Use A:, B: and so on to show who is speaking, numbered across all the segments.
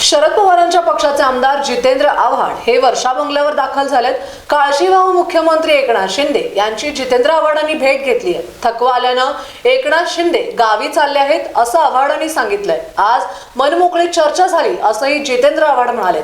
A: शरद पवारांच्या पक्षाचे आमदार जितेंद्र आव्हाड हे वर्षा बंगल्यावर दाखल झालेत। काळजीवाहू मुख्यमंत्री एकनाथ शिंदे यांची जितेंद्र आव्हाडांनी भेट घेतली आहे। थकवा आल्यानं एकनाथ शिंदे गावी चालले आहेत असं आव्हाडांनी सांगितलंय। आज मनमोकळी चर्चा झाली असंही जितेंद्र आव्हाड म्हणाले।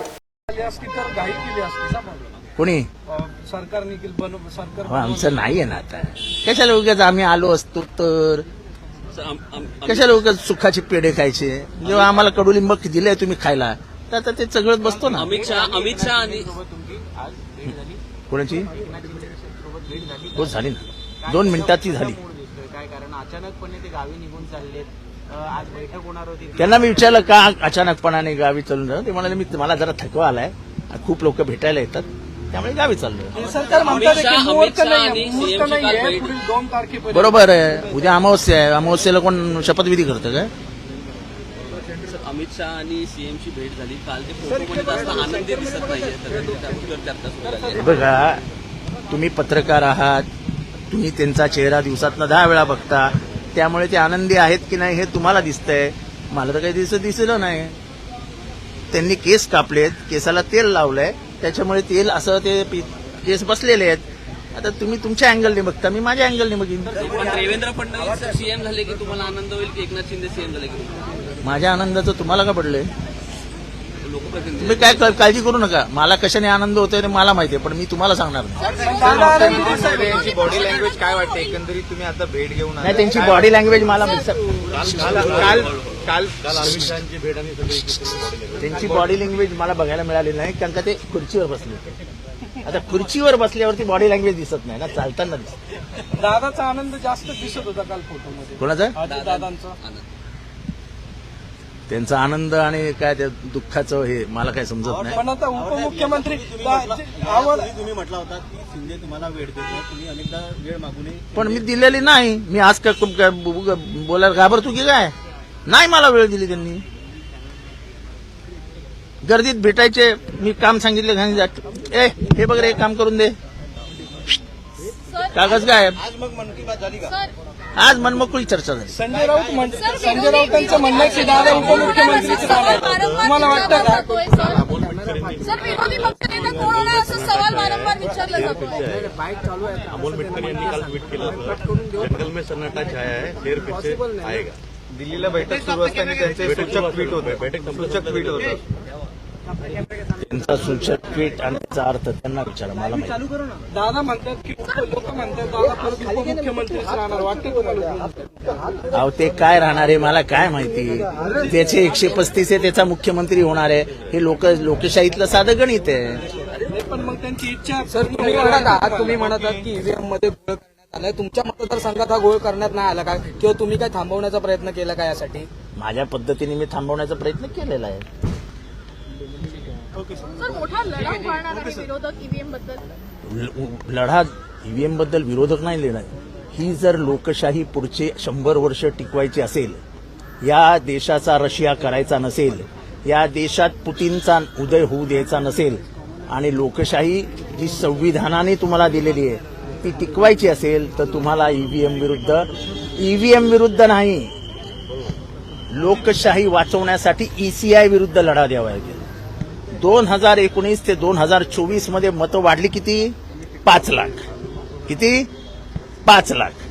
B: कोणी
C: सरकारने सरकार
B: आमचं नाही आहे ना आता, कशाला उगाच आम्ही आलो असतो तर कशाला उगाच सुखाचे पेढे खायचे। जेव्हा आम्हाला कडुलिंब दिले तुम्ही खायला तर आता ते सगळं बसतो ना।
D: अमित शहा आणि
B: कोणाची हो झाली ना, 2 मिनिटाची झाली।
C: काय कारण अचानकपणे ते गावी निघून चाललेत, आज बैठक होणार होती।
B: त्यांना मी विचारलं का अचानकपणाने गावी चालून जाऊ, ते म्हणाले मी मला जरा थकवा आलाय, खूप लोक भेटायला येतात त्यामुळे गावी चाललोय।
C: सरकार म्हणतात की मुहूर्त नाही,
D: आणि
C: मुहूर्त
D: CM ची काल
C: नाहीये,
D: बैठक.
C: पुढील 2 तारखेपर्यंत।
B: बरोबर आहे, उद्या अमावस्या आहे, अमावस्येला कोण शपथविधी करतं काय?
D: अमित शहा आणि सीएम ची भेट झाली काल, ते फोटोमध्ये जास्त आनंदी दिसत नाहीये, तर त्याबद्दल चर्चा सुरू झाली आहे।
B: बघा, तुम्ही पत्रकार आहात, तुम्ही त्यांचा चेहरा दिवसातनं 10 वेळा बघता, त्यामुळे ते आनंदी आहेत की नाही हे तुम्हाला दिसतंय, मला तर काही दिसलं नाही। त्यांनी केस कापलेत, केसाला तेल लावलंय, त्याच्यामुळे तेल असं ते केस बसलेले आहेत। आता तुम्ही तुमच्या अँगलने बघता, मी माझ्या अँगलने बघीन।
D: पण देवेंद्र फडणवीस सीएम झाले की तुम्हाला आनंद होईल की एकनाथ शिंदे सीएम झाले की
B: माझ्या आनंदाचं तुम्हाला का पडलंय?
D: लोकप्रतिनिधी
B: तुम्ही काय काळजी करू नका, मला कशाने आनंद होतोय ते मला माहितीये, पण मी तुम्हाला सांगणार नाही।
E: त्यांची बॉडी लँग्वेज काय वाटते एकंदरीत? तुम्ही आता भेट घेऊन
B: नाही, त्यांची बॉडी लँग्वेज मला
E: काल अमित शहाची भेट आणि
B: त्यांची बॉडी लँग्वेज मला बघायला मिळाली नाही, कारण का ते खुर्चीवर बसले होते। आता खुर्चीवर बसल्यावरती बॉडी लँग्वेज दिसत नाही ना, चालताना दिसत।
C: दादाचा आनंद जास्त दिसत होता काल फोटोमध्ये।
B: कोणाचा?
C: दादांचा
B: त्यांचा आनंद आणि काय त्या दुःखाचं हे मला काय समजत नाही।
C: पण आता उपमुख्यमंत्री
E: तुम्ही म्हटला होता की शिंदे तुम्हाला वेळ देतो, तुम्ही अनेकदा वेळ मागू नये,
B: पण मी दिलेली नाही। मी आज काय बोलायला घाबरतो की काय? नाही मला वेळ दिली त्यांनी। गर्दीत भेटायचे, मी काम सांगितले, ए हे बघ रे काम करून दे, कागज काय?
E: आज मग मन की बात झाली का?
B: आज मनमोकळी चर्चा झाली।
C: संजय राऊतांचं म्हणणं आहे की दादा उपमुख्यमंत्रीच राहणार, तुम्हाला वाटतं का?
F: सर, विरोधी पक्षनेता कोण होणार असा सवाल वारंवार विचारला जातो।
G: अमोल मिटकर यांनी काल ट्विट केलं होतं, जंगल में सन्नाटा छाया है, शेर फिर से आएगा।
E: दिल्लीला बैठक सुरू असताना त्यांचे सूचक ट्विट होतं।
B: त्यांचा सूचक ट्विट आणि त्याचा अर्थ त्यांना विचारा, मला माहिती।
C: दादा म्हणतात की लोक म्हणतात दादा परत उपमुख्यमंत्रीच राहणार, वाटतं तुम्हाला?
B: अहो ते काय राहणार आहे मला काय माहिती। त्याचे 135 आहे, त्याचा मुख्यमंत्री होणार आहे, हे लोकशाहीतलं साधं गणित आहे।
C: पण मग त्यांची इच्छा।
H: सर, तुम्ही म्हणत आहात की ईव्हीएम मध्ये घोळ करण्यात आलाय, तुमच्या मतदारसंघात हा घोळ करण्यात नाही आला का, किंवा तुम्ही काय थांबवण्याचा प्रयत्न केला का यासाठी?
B: माझ्या पद्धतीने मी थांबवण्याचा प्रयत्न केलेला आहे।
F: सर, मोठा लढा उभारणार आहे विरोधक ईव्हीएम बद्दल।
B: लढा ईव्हीएम बद्दल विरोधक नाही लढणार। ही जर लोकशाही पुढचे 100 वर्ष टिकवायची असेल, या देशाचा रशिया करायचा नसेल, या देशात पुतीनचा उदय होऊ द्यायचा नसेल, आणि लोकशाही जी संविधानाने तुम्हाला दिलेली आहे ती टिकवायची असेल, तर तुम्हाला ईव्हीएम विरुद्ध नाही, लोकशाही वाचवण्यासाठी ECI विरुद्ध लढा द्यावा लागेल। 2019 ते 2024 मध्ये मतं वाढली किती? 5 लाख। किती? 5 लाख।